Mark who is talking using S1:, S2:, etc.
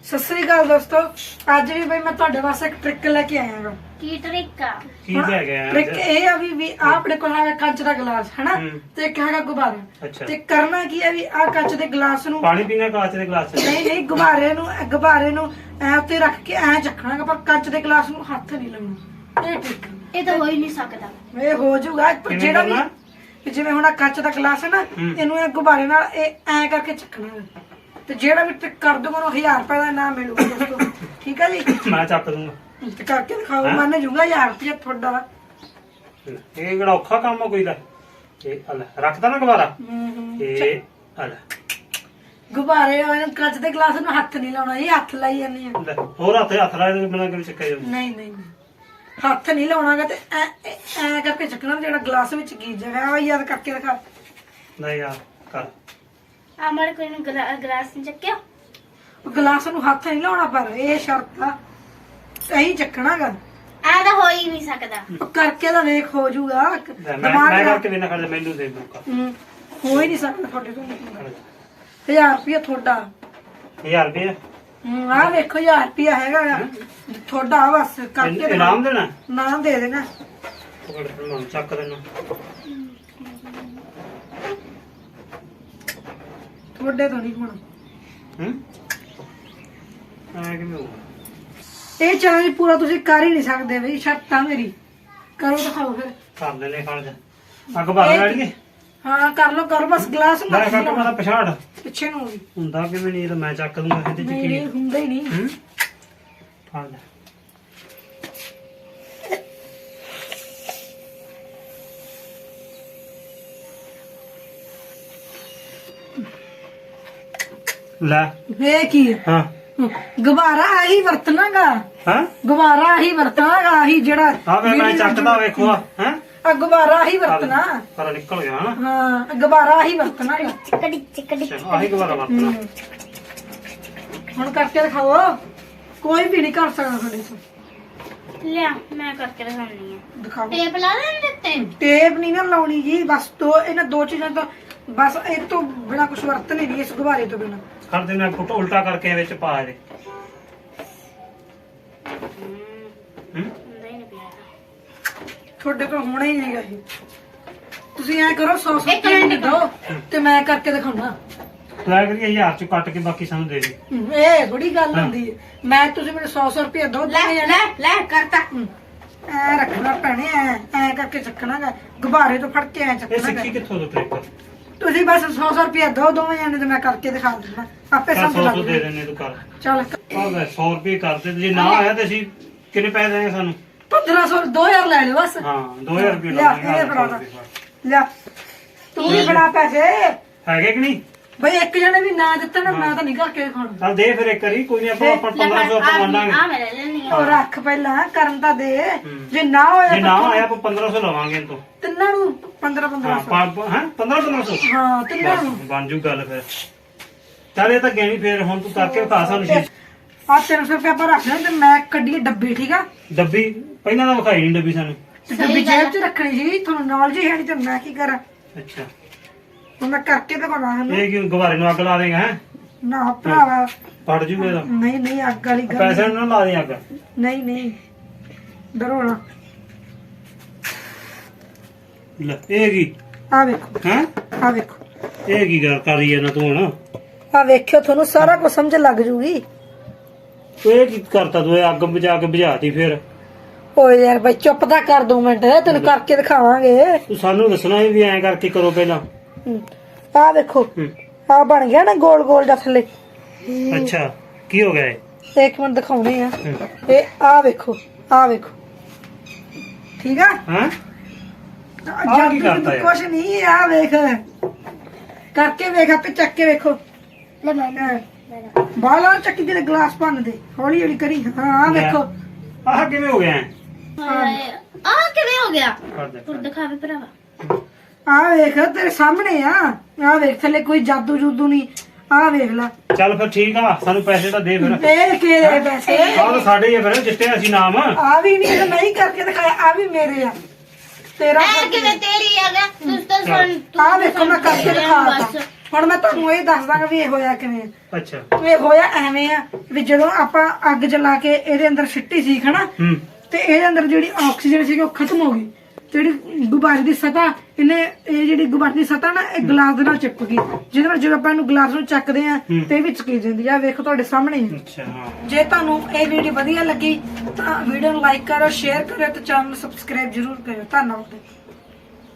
S1: सत श्री अकाल दोस्तों, ਅੱਜ ਵੀ ਬਈ ਮੈਂ ਤੁਹਾਡੇ ਵਾਸਤੇ ਇੱਕ ਟ੍ਰਿਕ ਲੈ ਕੇ ਆਇਆ ਹਾਂ।
S2: ਕੀ ਟ੍ਰਿਕ ਆ?
S3: ਕੀ ਲੈ ਗਿਆ
S1: ਟ੍ਰਿਕ ਇਹ ਆ ਵੀ ਆ ਆਪਣੇ ਕੋਲ ਹੈਗਾ ਕੱਚ ਦਾ ਗਲਾਸ ਹਨਾ, ਤੇ ਇੱਕ ਹੈਗਾ ਗੁਬਾਰਾ। ਤੇ ਕਰਨਾ ਕੀ ਹੈ ਵੀ ਆ ਕੱਚ ਦੇ ਗਲਾਸ ਨੂੰ
S3: ਪਾਣੀ ਪੀਣਾ ਕੱਚ ਦੇ ਗਲਾਸ ਚ
S1: ਨਹੀਂ ਗੁਬਾਰੇ ਨੂੰ ਐ ਉੱਤੇ ਰੱਖ ਕੇ ਐ ਚੱਕਣਾ, ਪਰ ਕੱਚ ਦੇ ਗਲਾਸ ਨੂੰ ਹੱਥ ਨਹੀਂ ਲਾਉਣਾ। ਇਹ ਟ੍ਰਿਕ
S2: ਇਹ ਤਾਂ ਹੋ ਹੀ ਨਹੀਂ ਸਕਦਾ।
S1: ਇਹ ਹੋ ਜਾਊਗਾ ਜਿਹੜਾ ਵੀ ਜਿਵੇਂ ਹੁਣ ਕੱਚ ਦਾ ਗਲਾਸ ਹੈ ਨਾ, ਇਹਨੂੰ ਇਹ ਗੁਬਾਰੇ ਨਾਲ ਇਹ ਐ ਕਰਕੇ ਚੱਕਣਾ, ਤੇ ਜਿਹੜਾ ਵੀ ਟ੍ਰਿਕ ਕਰ ਦੂਗਾ ਉਹਨੂੰ 1000 ਰੁਪਏ ਦਾ ਇਨਾਮ ਮਿਲੂਗਾ ਦੋਸਤੋ। ਠੀਕ ਹੈ ਜੀ,
S3: ਮੈਂ ਚੱਕ ਦੂੰਗਾ
S1: ਤੇ ਕਰਕੇ ਦਿਖਾਓ, ਮੰਨ ਜੂਗਾ 1000 ਰੁਪਏ ਤੁਹਾਡਾ।
S3: ਇਹ ਕਿਹੜਾ ਔਖਾ ਕੰਮ ਆ ਕੋਈ ਦਾ? ਇਹ ਲੈ ਰੱਖਦਾ ਨਾ ਗੁਬਾਰਾ, ਇਹ ਲੈ
S1: ਗੁਬਾਰੇ ਉਹਨੂੰ ਕੱਚ ਦੇ ਗਲਾਸ ਨੂੰ ਹੱਥ ਨਹੀਂ ਲਾਉਣਾ, ਇਹ ਹੱਥ ਲਾਈ ਜਾਂਦੇ ਆ।
S3: ਲੈ ਹੋਰ ਹੱਥ ਲਾ ਦੇ ਬਿਨਾਂ ਕਿਵੇਂ ਚੱਕਿਆ ਜਾਊ?
S1: ਨਹੀਂ ਹੱਥ ਨਹੀਂ ਲਾਉਣਾਗਾ, ਤੇ ਐ ਕਰਕੇ ਚੱਕਣਾ ਜਿਹੜਾ ਗਲਾਸ ਵਿੱਚ ਕੀ ਜਗ੍ਹਾ ਆ। ਯਾਦ ਕਰਕੇ ਦਿਖਾ।
S3: ਨਹੀਂ ਯਾਰ ਕਰ
S2: আমার ਕੋਈ ਨੂੰ ਗਲਾਸ ਨਹੀਂ ਚੱਕਿਆ।
S1: ਗਲਾਸ ਨੂੰ ਹੱਥ ਨਹੀਂ ਲਾਉਣਾ, ਪਰ ਇਹ ਸ਼ਰਤ ਆ ਸਹੀ ਚੱਕਣਾਗਾ।
S2: ਆ ਤਾਂ ਹੋ ਹੀ ਨਹੀਂ ਸਕਦਾ।
S1: ਕਰਕੇ ਤਾਂ ਵੇਖ ਹੋ ਜਾਊਗਾ।
S3: ਮੈਂ ਕਰਕੇ ਵੀ ਨਾ ਕਰ ਮੈਨੂੰ ਦੇ ਮੌਕਾ।
S1: ਹੋ ਹੀ ਨਹੀਂ ਸਕਦਾ ਤੁਹਾਡੇ ਤੋਂ। 1000 ਰੁਪਏ ਤੁਹਾਡਾ।
S3: 1000 ਰੁਪਏ
S1: ਆ ਵੇਖੋ 1000 ਰੁਪਏ ਹੈਗਾ ਤੁਹਾਡਾ। ਬਸ ਕਰਕੇ
S3: ਇਨਾਮ ਦੇਣਾ,
S1: ਨਾਮ ਦੇ ਦੇਣਾ।
S3: ਚੱਕ ਦੇਣਾ
S1: ਤੁਹਾਡੇ ਤੋਂ ਨਹੀਂ ਹੋਣਾ।
S3: ਕਿਵੇਂ ਹੋਊਗਾ?
S1: ਇਹ ਚੈਲੰਜ ਪੂਰਾ ਤੁਸੀਂ ਕਰ ਹੀ ਨਹੀਂ ਸਕਦੇ ਬਈ, ਸ਼ਰਤ ਆ ਮੇਰੀ। ਕਰੋ ਦਿਖਾਓ ਫਿਰ।
S3: ਕਰ ਲੈਨੇ ਖੜ ਜਾ ਅੱਗ ਬਾਲ ਲੜੀਏ।
S1: ਹਾਂ ਕਰ ਲੋ, ਕਰੋ ਬਸ। ਗਲਾਸ
S3: ਮੈਂ ਕੱਟ ਮਾਦਾ ਪਛਾੜ
S1: ਪਿੱਛੇ ਨੂੰ ਵੀ
S3: ਹੁੰਦਾ ਕਿਵੇਂ ਨਹੀਂ, ਤਾਂ ਮੈਂ ਚੱਕ ਦੂੰਗਾ ਇਹਦੇ ਚ ਕੀ
S1: ਨਹੀਂ ਹੁੰਦਾ ਹੀ ਨਹੀਂ।
S3: ਫੜ ਲੈ ਲੈ
S1: ਵੇ ਕੀ
S3: ਹਾਂ
S1: ਗੁਬਾਰਾ ਆਹੀ ਵਰਤਣਾਗਾ।
S3: ਹਾਂ
S1: ਗੁਬਾਰਾ ਆਹੀ ਵਰਤਣਾਗਾ, ਆਹੀ ਜਿਹੜਾ
S3: ਆ ਵੇ ਮੈਂ ਚੱਕਦਾ ਵੇਖੋ ਹੈ
S1: ਆ ਗੁਬਾਰਾ ਆਹੀ ਵਰਤਣਾ।
S3: ਪਰ ਨਿਕਲ ਗਿਆ ਨਾ।
S1: ਹਾਂ ਗੁਬਾਰਾ ਆਹੀ ਵਰਤਣਾ।
S2: ਚਿਕੜੀ
S3: ਆਹੀ ਗੁਬਾਰਾ ਵਰਤਣਾ।
S1: ਹੁਣ ਕਰਕੇ ਦਿਖਾਓ, ਕੋਈ ਵੀ ਨਹੀਂ ਕਰ ਸਕਦਾ ਤੁਹਾਡੇ ਤੋਂ।
S2: ਲਿਆ ਮੈਂ ਕਰਕੇ ਦਿਖਾਉਣੀ ਆ।
S1: ਦਿਖਾਓ।
S2: ਟੇਪ ਲਾ ਲੈਣ ਦਿੱਤੇ।
S1: ਟੇਪ ਨਹੀਂ ਨਾ ਲਾਉਣੀ ਜੀ, ਬਸ ਇਹਨਾਂ ਦੋ ਚੀਜ਼ਾਂ ਤੋਂ ਬਸ, ਇਹ ਤੋਂ ਬਿਨਾ ਕੁਝ ਵਰਤਣੇ ਨਹੀਂ, ਇਸ ਗੁਬਾਰੇ ਤੋਂ ਬਿਨਾ।
S3: ਕਰ ਦੇ ਮੈਂ ਫੋਟੋ ਉਲਟਾ ਕਰਕੇ ਵਿੱਚ ਪਾ ਦੇ।
S2: ਨਹੀਂ ਪਿਆ
S1: ਤੁਹਾਡੇ ਕੋਲ ਹੋਣਾ ਹੀ ਨਹੀਂਗਾ ਇਹ। ਤੁਸੀਂ ਐ ਕਰੋ 100 ਰੁਪਏ ਦੇ ਦਿਓ ਤੇ ਮੈਂ ਕਰਕੇ ਦਿਖਾਉਣਾ।
S3: ਲੈ ਕਰੀਏ 1000 ਚ ਕੱਟ ਕੇ ਬਾਕੀ ਸਾਨੂੰ ਦੇ ਦੇ।
S1: ਇਹ ਥੋੜੀ ਗੱਲ ਹੁੰਦੀ ਹੈ। ਮੈਂ ਤੁਸੀਂ ਮੈਨੂੰ 100 ਰੁਪਏ ਦਿਓ।
S2: ਲੈ ਕਰਤਾ।
S1: ਐ ਰੱਖਣਾ ਪੈਣੇ, ਐ ਕਰਕੇ ਚੱਕਣਾਗਾ ਗੁਬਾਰੇ ਤੋਂ ਫੜ ਕੇ ਐ
S3: ਇਹ
S1: ਚੱਕਣਾ।
S3: ਸਿੱਖੀ ਕਿੱਥੋਂ ਤੋਂ ਟ੍ਰਿਕ?
S1: ਤੁਸੀਂ ਬਸ 100 ਰੁਪਏ ਦਿਓ ਦੋਵੇਂ ਜਾਣੇ, ਤੇ ਮੈਂ ਕਰਕੇ ਦਿਖਾ ਦਿੰਦਾ। ਆਪੇ ਸਮਝ
S3: 100
S1: ਲੱਗ
S3: ਦੇ
S1: ਜੂ।
S3: ਦੇਣੇ ਤੂੰ ਕਰ।
S1: ਚੱਲ
S3: ਆ ਲੈ 100 ਰੁਪਏ ਕਰ ਦੇ, ਜੇ ਨਾ ਆਇਆ ਤੇ ਅਸੀਂ ਕਿੰਨੇ ਪੈਸੇ ਦੇਣਗੇ ਸਾਨੂੰ?
S1: 1500 2000 ਲੈ ਲਿਓ ਬਸ।
S3: ਹਾਂ 2000 ਰੁਪਏ
S1: ਲਿਆ ਇਹ ਫੜਾ ਦਾ। ਲਿਆ ਤੂੰ ਵੀ ਫੜਾ ਪੈਸੇ।
S3: ਹੈਗੇ ਕਿ ਨਹੀਂ
S1: ਬਈ ਇੱਕ ਜਣੇ ਵੀ ਨਾ ਦਿੱਤਾ ਨਾ, ਮੈਂ ਤਾਂ ਨਹੀਂ ਕਰਕੇ ਖਾਣਾ।
S3: ਚੱਲ ਦੇ ਫਿਰ ਇੱਕ ਵਾਰੀ, ਕੋਈ ਨਹੀਂ ਆਪਾਂ 1500 ਆਪਾਂ ਮੰਨਾਂਗੇ।
S2: ਆ ਮੈਂ ਲੈ ਲੈਣੀ ਆ।
S1: ਉਹ ਰੱਖ ਪਹਿਲਾਂ, ਕਰਨ ਤਾਂ ਦੇ। ਜੇ ਨਾ ਹੋਇਆ
S3: ਜੇ ਨਾ ਆਇਆ ਆਪਾਂ 1500 ਲਵਾਂਗੇ ਤੋਂ
S1: ਤਿੰਨਾਂ ਨੂੰ 1500।
S3: ਹਾਂ 1500
S1: ਹਾਂ ਤਿੰਨਾਂ ਨੂੰ
S3: ਬਣ ਜੂ ਗੱਲ ਫਿਰ। ਚੱਲ ਇਹ ਤਾਂ ਗੈਣੀ ਫੇਰ, ਹੁਣ ਤੂੰ ਕਰਕੇ ਵਿਖਾ ਸਾਨੂੰ ਚੀਜ਼।
S1: ਆ 300 ਰੁਪਏ ਆਪਾਂ ਰੱਖ ਲੈ, ਤੇ ਮੈਂ ਕੱਢੀ ਡੱਬੀ। ਠੀਕ ਆ,
S3: ਡੱਬੀ ਪਹਿਲਾਂ ਤਾਂ ਵਿਖਾਈ ਨਹੀਂ ਡੱਬੀ ਸਾਨੂੰ।
S1: ਤੇ ਡੱਬੀ ਜੇਬ 'ਚ ਰੱਖਣੀ ਸੀ। ਤੁਹਾਨੂੰ ਨੌਲੇਜ ਹੀ ਹੈ ਨਹੀਂ, ਤੇ ਮੈਂ ਕੀ ਕਰਾਂ?
S3: ਅੱਛਾ
S1: ਹੁਣ ਮੈਂ ਕਰਕੇ ਦਿਖਾਉਣਾ ਸਾਨੂੰ।
S3: ਇਹ ਕਿਉਂ ਗੁਬਾਰੇ ਨੂੰ ਅੱਗ ਲਾ ਦੇਗਾ? ਹੈ
S1: ਨਾ ਭਰਾਵਾ,
S3: ਫੜ ਜੂਗਾ ਇਹਦਾ।
S1: ਨਹੀਂ ਅੱਗ ਵਾਲੀ ਗੱਲ
S3: ਪੈਸੇ ਨੂੰ ਨਾ ਲਾ ਦੇ ਅੱਗ।
S1: ਨਹੀਂ ਡਰੋ ਨਾ।
S3: ਲੈ ਇਹ ਕੀ
S1: ਆ ਵੇਖੋ,
S3: ਹੈ?
S1: ਆ ਵੇਖੋ,
S3: ਇਹ ਕੀ ਗੱਲ ਕਰੀ ਜਾਂਦਾ ਤੂੰ ਹੁਣ?
S1: ਆ ਵੇਖਿਓ, ਤੁਹਾਨੂੰ ਸਾਰਾ ਕੁਝ ਸਮਝ ਲੱਗ ਜੂਗੀ।
S3: ਇਹ ਕੀ ਕਰਤਾ ਤੂੰ? ਇਹ ਅੱਗ ਬੁਝਾ ਕੇ ਬੁਝਾਤੀ ਫਿਰ।
S1: ਓਏ ਯਾਰ ਬਈ ਚੁੱਪ ਤਾਂ ਕਰ 2 ਮਿੰਟ, ਤੈਨੂੰ ਕਰਕੇ ਦਿਖਾਵਾਂਗੇ।
S3: ਤੂੰ ਸਾਨੂੰ ਦੱਸਣਾ ਵੀ ਐਂ ਕਰਕੇ ਕਰੋ ਪਹਿਲਾਂ।
S1: ਆ ਵੇਖੋ, ਆ ਬਣ ਗਿਆ ਨਾ ਗੋਲ ਗੋਲ ਜਿਹਾ ਥੱਲੇ।
S3: ਅੱਛਾ ਕੀ ਹੋ ਗਿਆ ਇਹ?
S1: ਇੱਕ ਮਿੰਟ ਦਿਖਾਉਣੇ ਆ। ਇਹ ਆ ਵੇਖੋ, ਆ ਵੇਖੋ। ਠੀਕ ਆ,
S3: ਹਾਂ ਕੀ ਕਰਤਾ ਯਾਰ?
S1: ਕੁਛ ਨਹੀਂ, ਆ ਵੇਖ ਕਰਕੇ ਵੇਖ, ਆਪੇ ਚੱਕ ਕੇ ਵੇਖੋ।
S2: ਲੈ ਮੈਂ
S1: ਬਾਲਾ ਚੱਕੀ ਦੇ ਗਲਾਸ ਭੰਨ ਦੇ, ਹੌਲੀ ਹੌਲੀ ਕਰੀ। ਹਾਂ ਆ ਵੇਖੋ,
S3: ਆਹ ਕਿਵੇਂ ਹੋ ਗਿਆ?
S2: ਆ ਕਿਵੇਂ ਹੋ ਗਿਆ?
S3: ਕਰ ਦੇ
S2: ਤੂੰ ਦਿਖਾਵੇ ਭਰਾਵਾ।
S1: ਆ ਵੇਖ ਤੇਰੇ ਸਾਹਮਣੇ ਆ ਵੇਖ ਥੱਲੇ ਕੋਈ ਜਾਦੂ ਜੂਦੂ ਨਹੀਂ। ਆ ਵੇਖ ਲੈ।
S3: ਚੱਲ ਫਿਰ ਠੀਕ ਆ, ਸਾਨੂੰ ਪੈਸੇ ਤਾਂ ਦੇ ਫਿਰ।
S1: ਇਹ ਕਿਹੜੇ ਪੈਸੇ?
S3: ਆਹ ਤਾਂ ਸਾਡੇ ਹੀ ਆ ਫਿਰ, ਜਿੱਤੇ ਅਸੀਂ ਨਾਮ।
S1: ਆ ਵੀ ਨਹੀਂ ਕਰਕੇ ਦਿਖਾਇਆ, ਆ ਵੀ ਮੇਰੇ ਆ। ਤੇਰਾ
S2: ਐ ਕਿਵੇਂ ਤੇਰੀ ਆ ਗਿਆ? ਤੂੰ ਤਾਂ ਸੁਣ।
S1: ਆ ਵੇਖੋ, ਮੈਂ ਕਰਕੇ ਦਿਖਾਤਾ। ਹੁਣ ਮੈਂ ਤੁਹਾਨੂੰ ਇਹ ਦੱਸ ਦਾਂਗਾ ਵੀ ਇਹ ਹੋਇਆ ਕਿਵੇਂ ਆ।
S3: ਅੱਛਾ
S1: ਇਹ ਹੋਇਆ ਐਵੇਂ ਆ ਵੀ ਜਦੋਂ ਆਪਾਂ ਅੱਗ ਜਲਾ ਕੇ ਇਹਦੇ ਅੰਦਰ ਸਿੱਟੀ ਸੀ ਹਨਾ ਤੇ ਇਹਦੇ ਅੰਦਰ ਜਿਹੜੀ ਆਕਸੀਜਨ ਸੀਗੀ ਉਹ ਖਤਮ ਹੋ ਗਈ। ਜਿਹੜੀ ਗੁਬਾਰੇ ਦੀ ਸਤ੍ਹਾ ਇਹ ਜਿਹੜੀ ਗੁਬਾਰੇ ਦੀ ਸਤ੍ਹਾ ਨਾ ਇਹ ਗਲਾਸ ਦੇ ਨਾਲ ਚਿਪਕ ਗਈ, ਜਿਹਦੇ ਨਾਲ ਜਦੋਂ ਆਪਾਂ ਇਹਨੂੰ ਗਲਾਸ ਨੂੰ ਚੱਕਦੇ ਆ ਤੇ ਇਹ ਵਿੱਚ ਕੀ ਜਾਂਦੀ ਆ, ਵੇਖੋ ਤੁਹਾਡੇ ਸਾਹਮਣੇ ਹੀ।
S3: ਅੱਛਾ ਹਾਂ।
S1: ਜੇ ਤੁਹਾਨੂੰ ਇਹ ਵੀਡੀਓ ਵਧੀਆ ਲੱਗੀ ਤਾਂ ਵੀਡੀਓ ਨੂੰ ਲਾਈਕ ਕਰੋ, ਸ਼ੇਅਰ ਕਰੋ ਤੇ ਚੈਨਲ ਨੂੰ ਸਬਸਕ੍ਰਾਈਬ ਜ਼ਰੂਰ ਕਰਿਓ। ਧੰਨਵਾਦ।